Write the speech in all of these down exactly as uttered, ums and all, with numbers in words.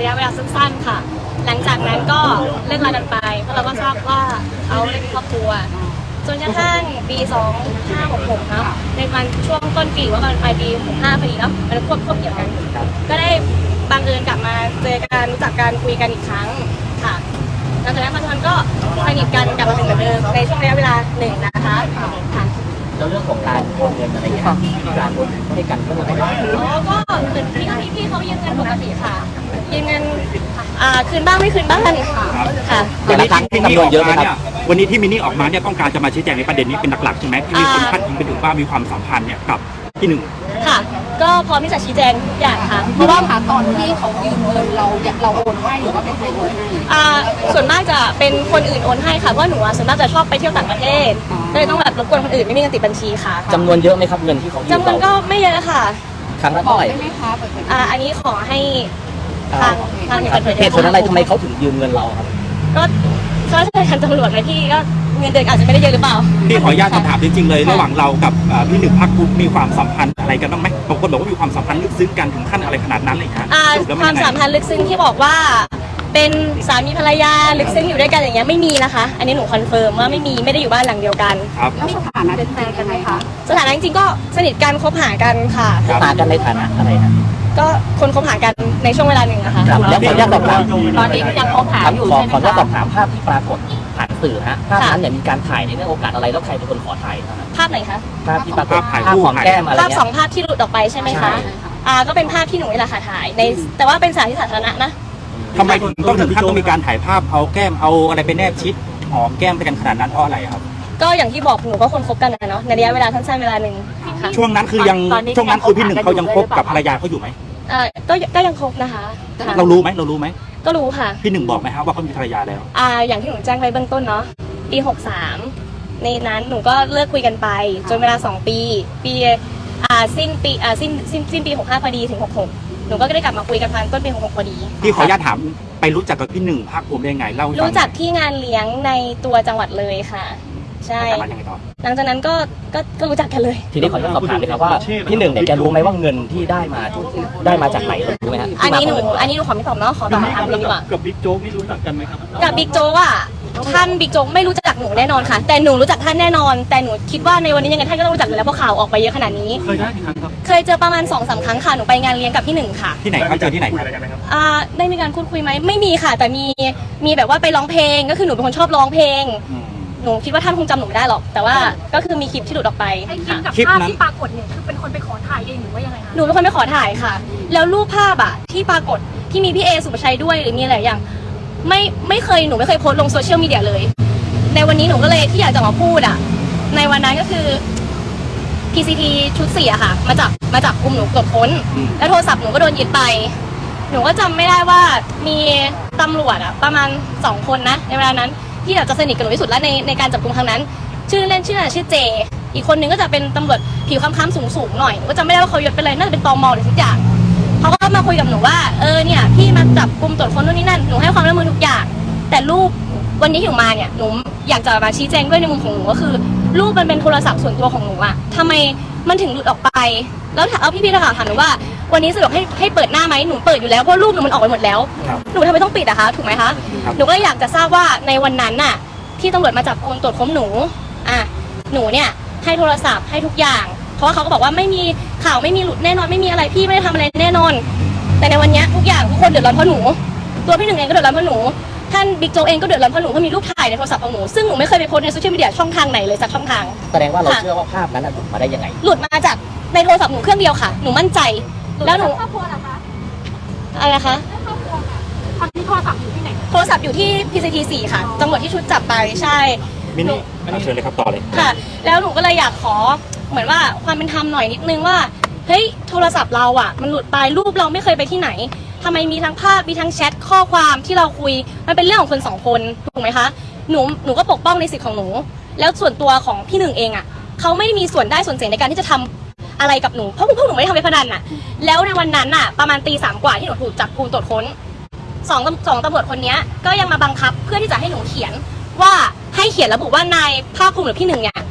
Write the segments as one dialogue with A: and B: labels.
A: ะเวลาสั้นๆค่ะหลังจากนั้นก็เลิกลากันไปเพราะเราก็ทราบว่าเขาเล่นครอบครัวจนกระทั่งปีสองห้าหกหกครับในวันช่วงต้นปีว่ากันปลายปีหกห้าพอดีเนาะมันควบควบเกี่ยวกันก็ได้บังเอิญกลับมาเจอกันรู้จักกันคุยกันอีกครั้งค่ะหลังจากนั้นปัจจุบันก็สนิทกันกลับมาเป็นเหมือนเดิมในช่วงระยะเวลาหนึ่งนะคะค่ะ
B: แล้วเรื่องของการโอนเงินอะไรอย่างเงี้ยการโอนให้กันก็ไม่ได้
A: อ๋อก็เหมือนพี่พี่พี่เขายืมเงินปกติค่ะยืมเงินอ่าคืนบ้างไม่คืนบ้างค่ะ
C: วันนี้ที่มินนี่ออกมาเนี่ยวันนี้ที่มินนี่ออกมาเนี่ยต้องการจะมาชี้แจงในประเด็นนี้เป็นหลักๆใช่ไหมที่มีคนพาดพิงไปถึงว่ามีความสัมพันธ์เนี่ยกับพี่หนึ่ง
A: ค่ะก็พร้อมที่จะชี้แจงทุกอย่างค่ะ
D: เพราะว่าค่ะตอนที่เขายืมเงินเราเราโอนให้หรือว่าเป็นใครโอนให้
A: อ่าส่วนมากจะเป็นคนอื่นโอนให้ค่ะเพราะหนูส่วนมากจะชอบไปเที่ยวต่างประเทศก็เลยต้องแบบรบกวนคนอื่นไม่มีเงินติดบัญชีค่ะ
B: จำนวนเยอะไหมครับเงินที่เขายืมเรา
A: จำนวนก็ไม่เยอะค่ะ
B: ครั้งละเท่าไหร่
D: ได้ไหมคะ
A: อ่าอันนี้ขอให้ทางทาง
B: เหตุผลอะไรทำไมเขาถึงยืมเงินเราครับ
A: ก็ก็ใช่ทางตำรวจไงพี่ก็เงินเดือนอาจจะไม่ได้เยอะหรือเปล่า
C: พี่ขออนุญาตถามจริงๆเลยระหว่างเรากับพี่หนึ่งพักกุ๊กมีความสัมพันธ์อะไรกันบ้างไหมบางคนบอกว่ามีความสัมพันธ์ลึกซึ้งกันถึงขั้นอะไรขนาดนั้นเลยครับ
A: ความสัมพันธ์ลึกซึ้งที่บอกว่าเป็นสามีภรรยาลึกซึ้งอยู่ด้วยกันอย่างเงี้ยไม่มีนะคะอันนี้หนูคอนเฟิร์มว่าไม่มีไม่ได้อยู่บ้านหลังเดียวกัน
C: ครับ
D: แล้วสถานะเป็นแฟนกันไหมคะ
A: สถานะจริงๆก็สนิทกันคบหากันค่ะ
B: คบหากันในฐานะอะไรนะ
A: ก็คนคบหากันในช่วงเวลาหนึ่งนะคะ
B: แล้วขออนุญาตสอบถาม
D: ตอนนี้ยังคบหาอยู่
B: ใช่ไหมขออนุญาตสอบถามภาพที่ปรากฏผ่านสื่อฮะภาพนั้นเนี่ยมีการถ่ายในเรื่องโอกาสอะไรแล้วใครเป็นคนขอถ่าย
A: ภาพไหนคะ
B: ภาพที่ปรากฏภาพของแก้มอะไร
A: ภาพสองภาพที่หลุดออกไปใช่ไหมคะอ่าก็เป็นภาพที่หนูนี่แหละค่ะถ่ายในแต่ว่าเป็นสถานที่สาธารณะนะ
C: ทำไมถึงต้องถึงขั้นต้องมีการถ่ายภาพเอาแก้มเอาอะไรไปแนบชิดหอมแก้มไปกันขนาดนั้นเพราะอะไรครับ
A: ก็อย่างที่บอกหนูก็คนคบกันนะเนาะในระยะเวลาสั้นๆเวลาหนึ่ง
C: ช่วงนั้นคือยังช่วงนั้นคือพี่หนึ่งเขายังคบกับภรรยาเขาอยู่ไหม
A: อ่าก็ก็ยังคบนะคะ
C: เรารู้ไหมเรารู้ไหม
A: ก็รู้ค่ะ
C: พี่หนึ่งบอกไหมครับว่าเขามีภรรยาแล้ว
A: อ่าอย่างที่หนูแจ้งไปเบื้องต้นเนาะปีหกสามในนั้นหนูก็เลิกคุยกันไปจนเวลาสองปีปีอ่าสิ้นปีอ่าสิ้นสิ้นสิ้นปีหกห้าพอดีถึงหกหกหนูก็ได้กลับมาคุยกันพันต้นปีหกหกพอดี
C: พี่ขออนุญาตถามไปรู้จักกับพี่หนึ่งภาคภูมิได้ไงเล่า
A: รู้จักที่งานเลี้ยงในตัวจังหวัดเลยค่ะใช่หลังจากนั้นก็ก็ก็รู้จักกันเลย
B: ทีนี้ขออนุญาตสอบถามเลยครับว่าพี่หนึ่งเนี่ยแกรู้ไหมว่าเงินที่ได้มาได้มาจากไหนรู้ไหมฮะ
A: อันนี้หนูอันนี้หนูขอไม่ตอบเนาะขอตอบคำถามดีกว่า
C: กับบิ๊กโจ๊กนี่รู้จักกันไหมครับ
A: กับบิ๊กโจ๊กอ่ะท่านบิ๊กโจ๊กไม่รู้จักหนูแน่นอนค่ะแต่หนูรู้จักท่านแน่นอนแต่หนูคิดว่าในวันนี้ยังไงท่านก็ต้องรู้จักอยู่แล้วเพราะข่าวออกไปเยอะขนาดนี้
C: เคยได้กี่ครั้งครับ
A: เคยเจอประมาณสองสามครั้งค่ะหนูไปงานเลี้ยงกับพี่หนึ่งค่ะ
C: ที่ไหนครับเจอที่ไหนครับ
A: อ่าได้มีการพูดคุยไหมไม่มีค่ะแต่มีมีแบบว่าไปร้องเพลงก็คือหนูเป็นคนชอบร้องเพลงหนูคิดว่าท่านคงจำหนูไม่ได้หรอกแต่ว่าก็คือมีคลิปที่หลุดออกไป
D: ค่ะคลิปกับภาพที่ปรากฏเนี่ยคือเป็นคนไปขอถ่ายเองหรือว่ายังไงคะ
A: หนูเป็นคนไปขอถ่ายค่ะแล้วรูปภาพอะที่ปรากฏที่มีพี่เอสุภชัยด้วยหรือมีอะไรอย่างไม่ไม่เคยหนูไม่เคยโพสต์ลงโซเชียลมีเดียเลยในวันนี้หนูก็เลยที่อยากจะมาพูดอะในวันนั้นก็คือ พี ซี ที ชุดสี่อะค่ะมาจับมาจับกลุ่มหนูตรวจค้นแล้วโทรศัพท์หนูก็โดนยึดไปหนูก็จำไม่ได้ว่ามีตำรวจอะประมาณสองคนนะในเวลานั้นที่แบบจะสนิทกับหนูที่สุดแล้วในในการจับกุมครั้งนั้นชื่อเล่นชื่อชื่อเจอีกคนนึงก็จะเป็นตำรวจผิวคล้ำๆสูงๆหน่อยก็จำไม่ได้ว่าเขายศเป็นอะไรน่าจะเป็นตมหรือสักอย่างเขาก็มาคุยกับหนูว่าเออเนี่ยพี่มาจับกุมตรวจค้นนู่นนี่นั่นหนูให้ความร่วมมือทุกอย่างแต่รูปวันนี้ที่หนูมาเนี่ยหนูอยากจะมาชี้แจงด้วยในมุมของหนูก็คือรูปมันเป็นโทรศัพท์ส่วนตัวของหนูอะทำไมมันถึงหลุดออกไปแล้วเอาพี่ๆนักข่าวถามหนูว่าวันนี้สะดวกให้ให้เปิดหน้าไหมหนูเปิดอยู่แล้วเพราะรูปหนูมันออกไปหมดแล้วหนูทำไมต้องปิดอะคะถูกไหมคะหนูก็อยากจะทราบว่าในวันนั้นน่ะที่ตำรวจมาจับกุมตรวจค้นหนูอ่ะหนูเนี่ยให้โทรศัพท์ให้ทุกอย่างเพราะว่าเขาก็บอกว่าไม่มีข่าวไม่มีหลุดแน่นอนไม่มีอะไรพี่ไม่ได้ทำอะไรแน่นอนแต่ในวันนี้ทุกอย่างทุกคนเดือดร้อนเพราะหนูตัวพี่หนึ่งเองก็เดือดร้อนเพราะหนูท่านบิ๊กโจ๊กเองก็เดือดร้อนเพราะหนูเพราะมีรูปถ่ายในโทรศัพท์ของหนูซึ่งหนูไม่เคยไปโพสต์ในโซเชียลมีเดียช่องทางไหนเลยสักช่องทาง
B: แสดงว่าเราเชื่อว่าภาพนั้นหลุดมาได้ยังไง
A: หลุดมาจากในโทรศัพท์หนูเครื่องเดียวค่ะหนูมั่นใจแล้วหนู
D: ครอบครัวเหรอคะ
A: อะไรนะคะ
D: ครอบครัวค่ะตอนนี้โทรศัพท์อยู่ที่ไหน
A: โทรศัพท์อยู่ที่ พี ซี ที สี่ค่ะตำรวจที่ชุดจับไปใช่
C: มินนี่เชิญเลยครับต่อเลย
A: ค่ะแล้วหนูก็เลยอยากขอเหมือนว่าความเป็นธรรมหน่อยนิดนึงว่าเฮ้ยโทรศัพท์เราอ่ะมันหลุดไปรูปเราไม่เคยไปที่ไหนทำไมมีทั้งภาพมีทั้งแชทข้อความที่เราคุยมันเป็นเรื่องของคนสองคนถูกไหมคะหนูหนูก็ปกป้องในสิทธิ์ของหนูแล้วส่วนตัวของพี่หนึ่งเองอ่ะเขาไม่ได้มีส่วนได้ส่วนเสียในการที่จะทำอะไรกับหนูเพราะพวกหนูไม่ได้ทำเว็บพนันอ่ะแล้วในวันนั้นอ่ะประมาณตีสามกว่าที่หนูถูกจับกุมตรวจค้นสองสองตำรวจคนนี้ก็ยังมาบังคับเพื่อที่จะให้หนูเขียนว่าให้เขียนระบุว่านายภาคภูมิหรือพี่หนึ่งเนี่ย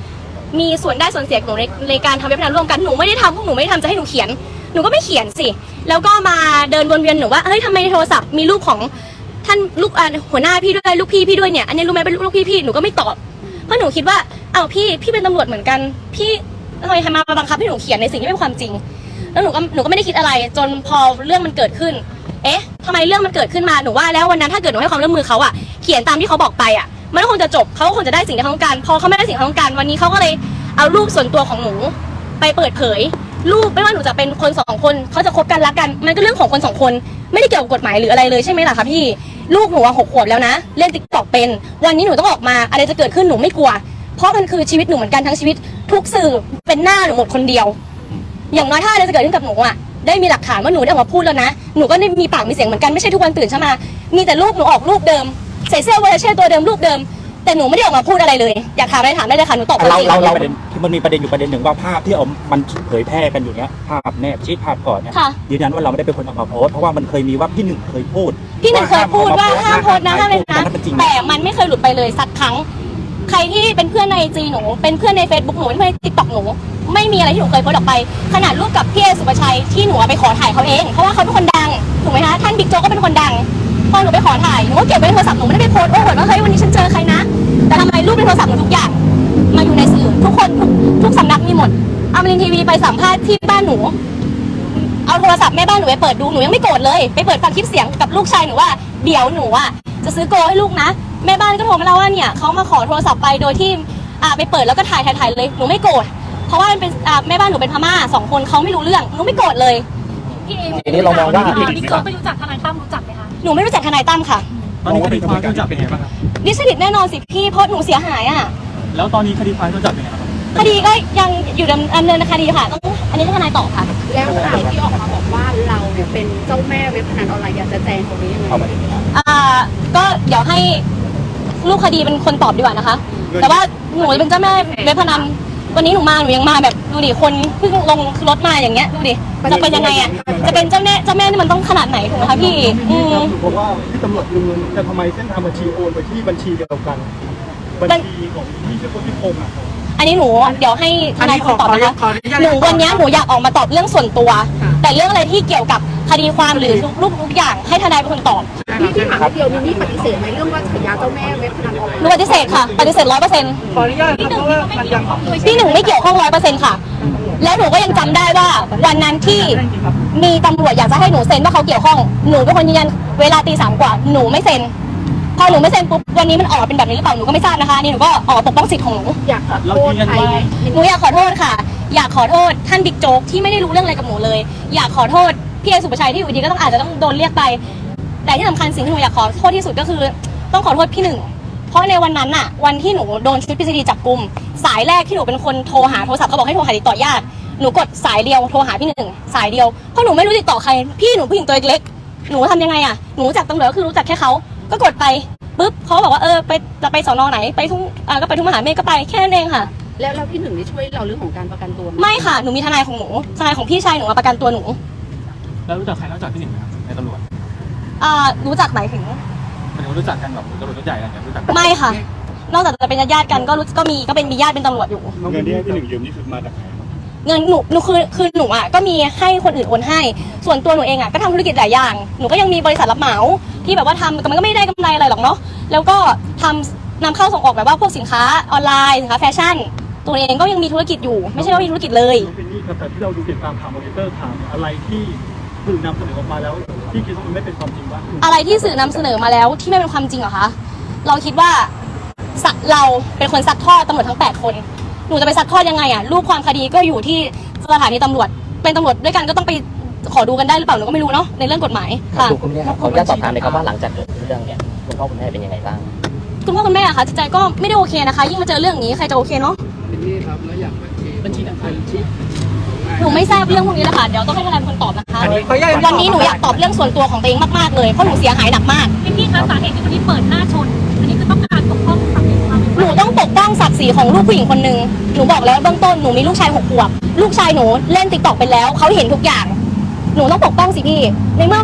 A: มีส่วนได้ส่วนเสียกับหนูในในการทำเว็บพนันร่วมกันหนูไม่ได้ทำพวกหนูไม่ได้ทำจะให้หนูเขียนหนูก็ไม่เขียนสิแล้วก็มาเดินวนเวียนหนูว่าเฮ้ยทำไมในโทรศัพท์มีรูปของท่านลูกอ่าหัวหน้าพี่ด้วยลูกพี่พี่ด้วยเนี่ยอันนี้รู้ไหมเป็นลูกพี่พี่หนูก็ไม่ตอบเพราะหนูคิดว่าเอ้าพี่พี่เป็นตำรวจเหมือนกันพี่ทำไมมาบังคับให้หนูเขียนในสิ่งที่เป็นความจริงแล้วหนูก็หนูก็ไม่ได้คิดอะไรจนพอเรื่องมันเกิดขึ้นเอ๊ะทำไมเรื่องมันเกิดขึ้นมาหนูว่าแล้ววันนั้นถ้าเกิดหนูให้ความร่วมมือเขาอะเขียนตามที่เขาบอกไปอะมันก็คงจะจบเขาก็คงจะได้สิ่งที่เขาต้องการพอเขาไม่ได้สิ่งที่เขาต้องการวันนี้เขาก็เลยเอารูปส่วนตัวของหนูไปเปิดเผยรูปไม่ว่าหนูจะเป็นคนสองคนเขาจะคบกันรักกันมันก็เรื่องของคนสองคนไม่ได้เกี่ยวกับกฎหมายหรืออะไรเลยใช่ไหมล่ะคะพี่ลูกหนูหกขวบแล้วนะเล่นติ๊กต็อกเป็นวันนี้หนูต้องออกมาอะไรจะเกิดขึ้นหนูไม่กลัวเพราะมันคือชีวิตหนูเหมือนกันทั้งชีวิตทุกสื่อเป็นหน้าหนูหมดคนเดียวอย่างน้อยถ้าอะไรจะเกิดขึ้นกับหนูอ่ะได้มีหลักฐานว่าหนูได้ออกมาพูดแล้วนะหนูก็ได้มีปากมีเสียงเหมือนกันไม่ใช่ทุกวันตื่นเช้ามามีแต่รูปหนูออกรูปเดิมใส่เสื้อวอลเลย์เช่ตัวเดิมรูปเดิมแต่หนูไม่ได้ออกมาพูดอะไรเลยอยากถามอะไรถามได้เลยค่ะหนูตอบ
C: เราเราเรา
A: ป
C: ประเด็นคือมันมีประเด็นอยู่ประเด็นหนึ่งว่าภาพที่เอามันเผยแพร่กันอยู่เนี้ยภาพแนบชีทภาพก่อนเนี่ย
A: ค่ะ
C: ยืนยันว่าเราไม่ได้เป็นคนเอามาโพสต์เพราะว่ามันเคยมีว่าพี่หนึ่งเคยพูด
A: พี่หนึ่งเคยพูดว่าห้ามโพสต์นะห้ามเลยนะ
C: มันจริง
A: แต่มันไม่เคยหลุดไปเลยสักครั้งใครที่เป็นเพื่อนในจีหนูเป็นเพื่อนใน Facebook หนูเป็นเพื่อนในติ๊กต็อกหนูไม่มีอะไรที่หนูเคยโพสต์ออกไปขนาดรูปกับพี่เอสุภชัยที่หนูไปขอถ่ายเขาเองเพราะว่าเขาเป็นคนดังถูกไหมคะท่านบิ๊กโจ๊กก็เป็นคนดังพอหนูไปขอถ่ายหนูก็เก็บไว้ในโทรศัพท์หนูไม่ได้ไปโพสต์โอ้โหว่าเฮ้ยวันนี้ฉันเจอใครนะแต่ทำไมรูปในโทรศัพท์หนูทุกอย่างมาอยู่ในสื่อทุกคนทุกทุกสำนักมีหมดอมรินทร์ทีวีไปสัมภาษณ์ที่บ้านหนูเอาโทรศัพท์แม่บ้านหนูไปเปิดดูหนูยังไม่โกรธเลยไปเปิดฟังคลิปเสียงกับลูกชายหนูว่าเดี๋ยวหนูอ่ะจะซื้อโกให้ลูกนะแม่บ้านก็โทรมาเล่าว่าเนี่ยเขามาขอโทรศัพท์ไปโดยที่อ่าไปเปิดแล้วก็ถ่ายถ่ายถ่ายเลยหนูไม่โกรธเพราะว่ามันเป็นอ่าแม่บ้านหนูเป็นพม่าสองคนเขาไม่รู้เรื่องหนูไม่โกรธเลยพี่เอ
B: ทีนี้เรามองว่า
A: บิ๊กโจ๊กไม่รู้จักทนายตั้มรู้จักไหมคะหนูไม่รู้จักทนายตั้มค่ะ
E: ตอนนี้คดีความรู้จักเป็นไงบ้างครับ
A: ดิสเครดิตแน่นอนสิพี่เพราะหนูเสียหายอ่ะ
E: แล้วตอนนี้คดีความรู้จักเป็นไงบ้างครับ
A: คดีก็ยังอยู่ดำเนินคดีค่ะต้องอันนี้ให้ทนายตอบค่ะ
D: แล้วข่าวที่ออกมาบอกว่าเราเนี่ยเป็นเจ้าแม่เว็บพนันออนไลน์อยากจะแจ้งตรงนี้ยังไง
C: เอาประเด็นนี้
A: อ่าก็เดี๋ยวให้ลูกคดีเป็นคนตอบดีกว่านะคะ แต่ว่าหนูจะเป็นเจ้าแม่เว็บพนันวันนี้หนูมาหนูยังมาแบบดูดิคนเพิ่งลงรถมาอย่างเงี้ยดูดิจะเป็นยังไงอ่ะจะเป็นเจ้าแม่เจ้าแม่นี่มันต้องขนาดไหนถูกไหมคะพี่อืม
E: เพราะว่าที่ตำรวจดำเนินจะทำไมเส้นทางบัญชีโอนไปที่บัญชีเดียวกัน บัญชีของพี่ชื่อคนที่พงษ์อ่ะ
A: อันนี้หนูเดี๋ยวให้ทนายคนตอบนะคะหนูวันนี้หนูอยากออกมาตอบเรื่องส่วนตัว แต่เรื่องอะไรที่เกี่ยวกับคดีความหรือทุกๆทุกอย่างให้ทนายเป็นคนตอบ
D: นี่ที่ถามนิดเดียวนี่นี่ปฏิเสธไหมเรื่องว่าฉายาเจ้าแม่เว็บพนันออนไล
A: หนูปฏิเสธค่ะปฏิเสธร้อยเปอร์เซ็นต์
E: ขออนุญาตครับเพราะว่ามันยัง
A: พี่หนึ่งไม่เกี่ยวข้องร้อยเปอร์เซ็นต์ค่ะ แล้วหนูก็ยังจำได้ว่าวันนั้นที่มีตำรวจอยากจะให้หนูเซ็นว่าเขาเกี่ยวข้องหนูเป็นคนยืนยันเวลาตีสามกว่าหนูไม่เซ็นพอหนูไม่เซ็นปุ๊บวันนี้มันออกมาเป็นแบบนี้หรือเปล่าหนูก็ไม่ทราบนะคะนี่หนูก็ออกมาปกป้องสิทธิ์ของหนู
D: อยากขอโทษใครไหม
A: หนูอยากขอโทษค่ะ อยากขอโทษท่านบิ๊กโจ๊กที่ไม่ได้รู้เรื่องอะไรกับหนูเลย อยากขอโทษพี่เอสุภชัยที่อยู่ดีก็ต้องอาจจะต้องโดนเรียกไป แต่ที่สำคัญสิ่งที่หนูอยากขอโทษที่สุดก็คือ ต้องขอโทษพี่หนึ่งเพราะในวันนั้นน่ะวันที่หนูโดนชุดพิเศษจับกุมสายแรกที่หนูเป็นคนโทรหาโทรศัพท์เขาบอกให้โทรหาติดต่อญาติหนูกดสายเดียวโทรหาพี่หนึ่งสายเดียวเพราะหนูไม่รู้ติดต่อใครพี่หนูผู้หญิงตัวเล็กหนูทำยังไงอ่ะหนูรู้จักตำรวจก็คือรู้จักแค่เขาก็กดไปปุ๊บเขาบอกว่าเออไปจะไปสอนอไหนไปทุ่งอ่าก็ไปทุ่งมหาเมฆก็ไปแค่นั้นเองค่ะ
D: แล้วเราพี่หนึ่งได้ช่วยเราเรื่องของการประกันตัวไหม
A: ไม่ค่ะหนูมีทนายของหนูทนายของพี่ชายหนูมาประกันตัวหนู
E: แล้วรู้จักใครนอกจากพี่หนึ่งไหมครับในตำรวจ
A: อ่ารู้จักหมายถึง
E: มันรู้จักกันแบบตำรวจใหญ่อะไรอย่างเงี้ยรู้จัก
A: ไม่ค่ะ นอกจากจะเป็นญาติๆกันก็รู้ก็มีก็เป็นมีญาติเป็นตำรวจอยู่
E: เงินที่ให้พี่หนึ่งยืมนี่คือมาจากไหน
A: เงินหนูหนูคือคือหนูอ่ะก็มีให้คนอื่นโอนให้ ส่วนตัวหนูเองอ่ะก็ทำธุรกิจหลายอย่างหนูก็ยังมีบริษัทรับเหมาที่แบบว่าทำแต่มันก็ไม่ได้กำไรอะไรหรอกเนาะแล้วก็ทำนำเข้าส่งออกแบบว่าพวกสินค้าออนไลน์สินค้าแฟชั่น ตัวเองก็ยังมีธุรกิจอยู่ไม่ใช่ว่ามีธุรกิจเลย
E: เป็นนี่ครับแต่ที่เราดูติดตามข่าวมอนิเตอร์ข่าวอะไรที่สื่อนำเสนอออกมาแล้วที่คิดว่ามันไม่เป็นความจริงว่า
A: อะไรที่สื่อนำเสนอมาแล้วที่ไม่เป็นความจริงเหรอคะเราคิดว่าสักเราเป็นคนซักทอดตำรวจทั้งแปดคนหนูจะไปซักทอดยังไงอ่ะรูปความคดีก็อยู่ที่สถานีตำรวจเป็นตำรวจด้วยกันก็ต้องไปขอดูกันได้หรือเปล่าหนูก็ไม่รู้เนาะในเรื่องกฎหมายค่ะ
B: ดูคุณแม่ครับขออนุญาตสอบถามเลยครับว่าหลังจากเกิดเรื่องเนี่ยคุณพ่อคุณแม่เป็นยังไงบ้าง
A: คุณพ่อคุณแม่อะคะจิตใจก็ไม่ได้โอเคนะคะยิ่งมาเจอเรื่องนี้ใครจะโอเคเนาะ
E: บัญชีบัญชี
A: หนูไม่ทราบเรื่องพวกนี้แล้วค่ะเดี๋ยวต้องให้ทนายเป็นคนตอบนะคะ
E: ขออนุญาต
A: วันนี้หนูอยากตอบเรื่องส่วนตัวของตัวเองมากๆเลยเพราะหนูเสียหายหนักมาก
F: พี่พี่คะสาเหตุที่วันนี้เปิดหน้าชน อันนี้คือต้องการปกป้องศักดิ์ศรีความเป็น
A: หนูต้องปกป้องศักดิ์ศรีของลูกผู้หญิงคนหนึ่งหนูบอกแล้วเบื้องต้นหนูมีลูกชายหกขวบลูกชายหนูเล่นติ๊กต็อกไปแล้วเขาเห็นทุกอย่างหนูต้องปกป้องสิพี่ในเมื่อ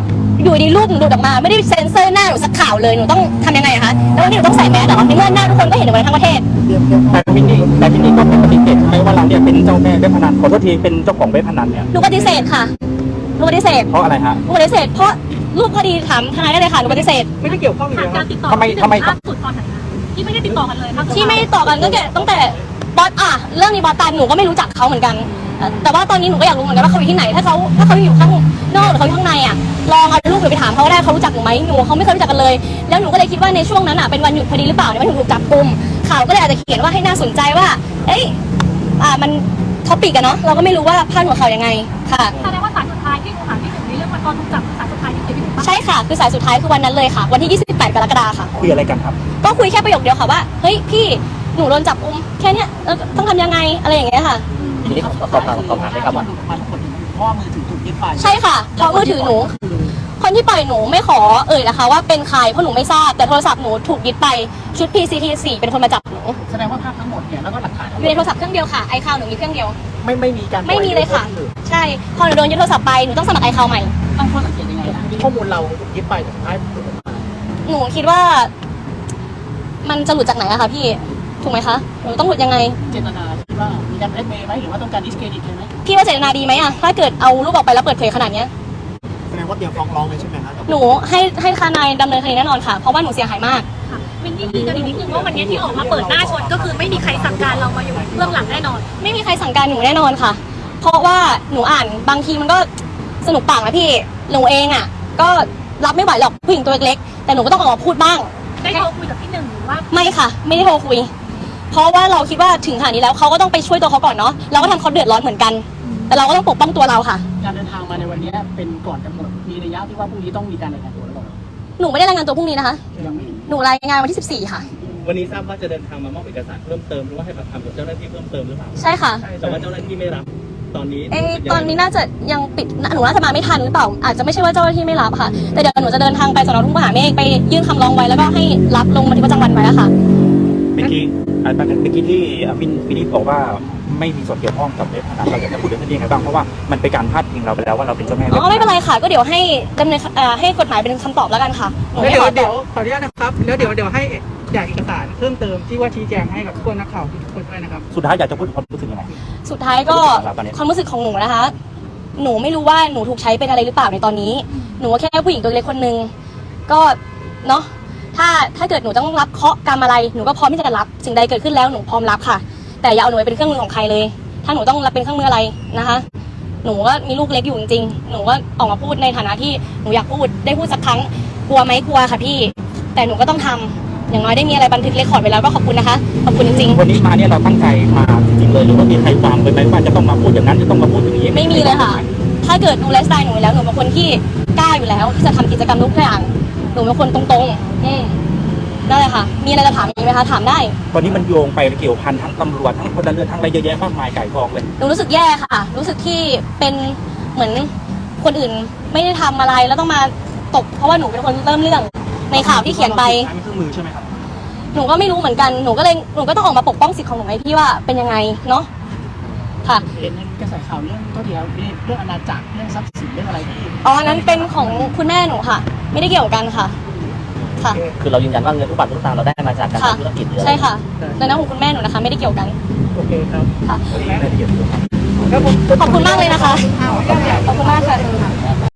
A: อยู่ดีรูปหนูหลุดออกมาไม่ได้เซ็นเซอร์หน้าหนูสักข่าวเลยหนูต้องทำยังไงอะคะแล้ววันนี้หนูต้องใส่แมสเหรอในเมื่อหน้าทุกคนก็เห็นหนูกันทั้งประเทศ
C: แต่มินนี่แต่มินนี่ก็เป็นปฏิเสธใช่ไหมว่าเราเนี่ยเป็นเจ้าแม่เว็บพนันขอโทษทีเป็นเจ้าของเว็บพนันเนี่ย
A: หนูปฏิเสธค่ะหนูปฏิเสธ
C: เพราะอะไรฮะ
A: หนูปฏิเสธเพราะรูปคดีถามทนายได้เลยค่ะหนูปฏิเสธ
E: ไม่ได้เกี่ยวข้องเลย
F: ผ่าน
E: ค
F: กา
E: รั
F: ร
E: บ
F: ติดต่อ
C: ทำไมทำไม
F: ล่าสุดตอนไหนคะที่ไม่ได้ติดต่อกันเลย
A: ที่ไม่ต่อกันก็ตั้งแต่บอสอ่ะเรื่องนี้บอสตายหนูก็ไม่รู้จักเขาเหมือนกันแต่แต่ว่าตอนนี้หนูก็อยากรู้เหมือนกันว่าเขาอยู่ที่ไหนถ้าเขาถ้าเขาอยู่ข้างนอกหรือเขาอยู่ข้างในอ่ะลองเอาลูกหนูไปถามเขาก็ได้เขารู้จักหนูไหมหนูเขาไม่เคยรู้จักกันเลยแล้วหนูก็เลยคิดว่าในช่วงนั้นอ่ะเป็นวันหยุดพอดีหรือเปล่าเนี่ยมันถึงถูกจับกุมข่าวก็เลยอาจจะเขียนว่าให้น่าสนใจว่าเอ้ยอ่ามันท็อปิกอะเนาะเราก็ไม่รู้ว่าพาดหัวข่าวยังไงค่ะ
F: แสดงว่าสายสุดท้ายที่หนูถามพี่หนึ่งในเรื่องวันตอนถูกจับสายสุดท้ายที่เจอพี่หนึ่งปะ
A: ใช่ค่ะคือสายสุดท้ายคือวันนั้นเลยค่ะวันที่ยี่สิบแปดกรกฎาคมค่ะ
C: คุยอะไรกันครับ
A: ก็คุยแค่ประโยคเดียวค่ะว่าเฮ้ยพี่หนูโดนจับกุมแค่เนี้ยเออต้องทำยังไงอะไรอย่างเงี้ยค่ะ
B: ทีนี้สอบถามสอบถามได้ครับว่า
A: ใช่ค่ะเพราะมือถือหนู คนที่ปล่อยหนูไม่ขอเอ่ยนะคะว่าเป็นใครเพราะหนูไม่ทราบแต่โทรศัพท์หนูถูกยึดไปชุด พี ซี ที สี่เป็นคนมาจับหนู
B: แสดงว่าภาพทั้งหมดเนี่ยแล้วก็หลักฐานทั้ง
A: อ
B: หม
A: ยู่
B: ด
A: ในโทรศัพท์เครื่องเดียวค่ะไอคาวหนูมีเครื่องเดียว
B: ไม่ไม่มีการ
A: ไม่มีเลยค่ะ ใช่พอหนูโดนยึดโทรศัพท์ไปหนูต้องสมัครไอคาวใหม่
B: ตั้งข้อสังเกตยังไงนะข้อมูลเรายึดไปสุดท้าย
A: หนูคิดว่า มันจะหลุดจากไหนอะคะพี่ถูกไหมคะหนูต้องหลุดยังไง
B: เจตนาคิดว่ามีการแบล็กเมย์ไหมหรือว่าต้องการดิสเครดิตไหม
A: พี่ว่าเจตนาดีไหมอะถ้าเกิดเอารูปออกไปแล้วเปิดเผยขนาดเนี้ย
E: แสดงว่าเตรียมฟ้องร้องเลยใช่ไหมครับ
A: หนูให้ให้ทนายดำเนินคดีแน่นอนค่ะ เพราะว่าหนูเสียหายมาก
F: ค่ะวินนี่ยืนยันอีกนิดนึงว่าวันนี้ที่ออกมาเปิดหน้าชนก็คือไม่มีใครสั่งการเรามาอยู่เบื้องหลังแน่นอน
A: ไม่มีใครสั่งการหนูแน่นอนค่ะ เพราะว่าหนูอ่านบางทีมันก็สนุกปากนะพี่ หนูเองอ่ะ ก็รับไม่ไหวหรอกผู้หญิงตัวเล็กๆแต่หนูก็ต้องออกมาพูดบ้าง
F: ได้โทรคุยกับพี่หนึ่งหรือว่า
A: ไม่ค่ะ ไม่ได้โทรคุย เพราะว่าเราคิดว่าถึงขนาดนี้แล้วเขาก็ต้องไปช่วยตัวเขาก่อนเนาะ เราก็ทำเขาเดือดร้อนเหมือนกัน แต่เราก็ต้องปกป้องตัวเราค่ะ
B: การเดินทางมาในวันนี้เป็นก่อนกำหนดมีระยะที่ว่าพรุ่งนี้ต้องมีการรายงานตัวหรือเปล่า
A: หนูไม่ได้รายงานตัวพรุ่งนี้นะคะ
B: ยังไม่
A: หนูรายงานวันที่สิบสี่ค่ะ
G: วันนี้ทราบว่าจะเดินทางมามอบเอกสารเพิ่มเติมหรือว่าให้ปากคำกับเจ้าหน้าที่เพิ่มเติมหรือเปล่า
A: ใช่ค่ะ
G: แต่ว่าเจ้าหน้าที่ไม่รับตอนนี้
A: เอะตอนนี้น่าจะยังปิดหนูน่าจะมาไม่ทันหรือเปล่า อาจจะไม่ใช่ว่าเจ้าหน้าที่ไม่รับค่ะ แต่เดี๋ยวหนูจะเดินทางไปสนทุ่งมหาเมฆไปยื่นคำร้องไว้แล้วก็ให้รับลงบันทึกประจำวันไว้แล้วค่ะ
C: เมื่อกี้อ่าเมื่อกี้ที่มินมินนี่บอกว่าไม่มีส่วนเกี่ยวข้องกับเว็บพนันเราอยากจะพูดเรื่องนี้ยังไงบ้างเพราะว่ามันเป็นการพาดพิงเราไปแล้วว่าเราเป็นเจ้าแม่
A: อ๋
C: เว็บ
A: อไม่เป็นไรค่ะ ก็เดี๋ยวให้ดำเนินเอ่อให้กฎหมายเป็นคำตอบแล้วกันค่ะหนู
H: แล้ว
A: ไม่
H: เดี๋ย
A: ข
H: ว
A: อต
H: เดี๋ย
A: อ
H: ว
A: บ
H: ขออนุญาตนะครับ แล้วเดี๋ยวเดี๋ยวให้แจกเอกสารเพิ่มเติมที่ว่าชี้แจงให้กับทุกคนนักข่าวทุกคนด้วยนะครับ
C: สุดท้ายอยากจะพูดความรู้สึกยังไง
A: สุดท้ายก็ความรู้สึกของหนูนะคะ หนูไม่รู้ว่าหนูถูกใช้เป็นอะไรหรือเปล่าในตอนนี้ หนูก็แค่ผู้หญิงตัวเล็กคนนึงก็เนาะถ้าถ้าเกิดหนูต้องรับเคราะห์กรรมอะไรหนูก็พร้อมที่จะรับสิ่งใดเกิดขึ้นแล้วหนูพร้อมรับค่ะ แต่อย่าเอาหนูไปเป็นเครื่องมือของใครเลย ถ้าหนูต้องรับเป็นเครื่องมืออะไรนะคะ หนูก็มีลูกเล็กอยู่จริงๆ หนูก็ออกมาพูดในฐานะที่หนูอยากพูดได้พูดสักครั้งกลัวไหมกลัวค่ะพี่ แต่หนูก็ต้องทำอย่างน้อยได้มีอะไรบันทึกเรคคอร์ดไว้แล้วก็ขอบคุณนะคะขอบคุณจริงๆ
C: วันนี้มาเนี่ยเราตั้งใจมาจริงๆเลยหรือว่ามีใครวางไว้ไหมว่าจะต้องมาพูดอย่างนั้นจะต้องมาพูดอย่างนี้
A: ไม่มีเลยค่ะ ถ้าเกิดดูไลฟ์สไตล์หนูแล้วหนูเป็นคนที่กล้าอยู่แล้วที่จะทำกิจกรรมทุกอย่าง หนูเป็นคนตรงๆ อืมนั่นแหละค่ะ มีอะไรจะถามอีกไหมคะ ถามได้
C: ตอนนี้มันโยงไปเกี่ยวพันทั้งตำรวจทั้งพลเรือนทั้งอะไรเยอะแยะมากมายไก่กองเลย
A: หนูรู้สึกแย่ค่ะ รู้สึกที่เป็นเหมือนคนอื่นไม่ได้ทำอะไรแล้วต้องมาตกเพราะว่าหนูเป็นคนเริ่มเรื่องในข่าวที่เขียนไป
C: มีเครื่องมือใช่ไหมครับ
A: หนูก็ไม่รู้เหมือนกัน หนูก็เลย หนูก็ต้องออกมาปกป้องสิทธิ์ของหนูไงพี่ว่าเป็นยังไงเนาะ ค่ะ
B: เห็นกระแสข่าวเรื่องก็เดียวเรื่องอนาจักรเรื่องทรัพย์สินเรื่องอะไรที่
A: อ๋ออันนั้นเป็นของคุณแม่หนูค่ะ ไม่ได้เกี่ยวกันค่ะ ค่ะ
B: คือเรายืนยันว่าเงินทุกบาททุกสตางค์เราได้มาจากการ
A: ค่ะ
B: ทำธุรกิจหรืออะไร
A: ใช่ค่ะในนั้นของคุณแม่หนูนะคะ ไม่ได้เกี่ยวกัน
H: โอเคครับ
A: ค่ะ
H: ครับผม
A: ขอบคุณมากเลยนะคะ ขอบคุณมากค่ะ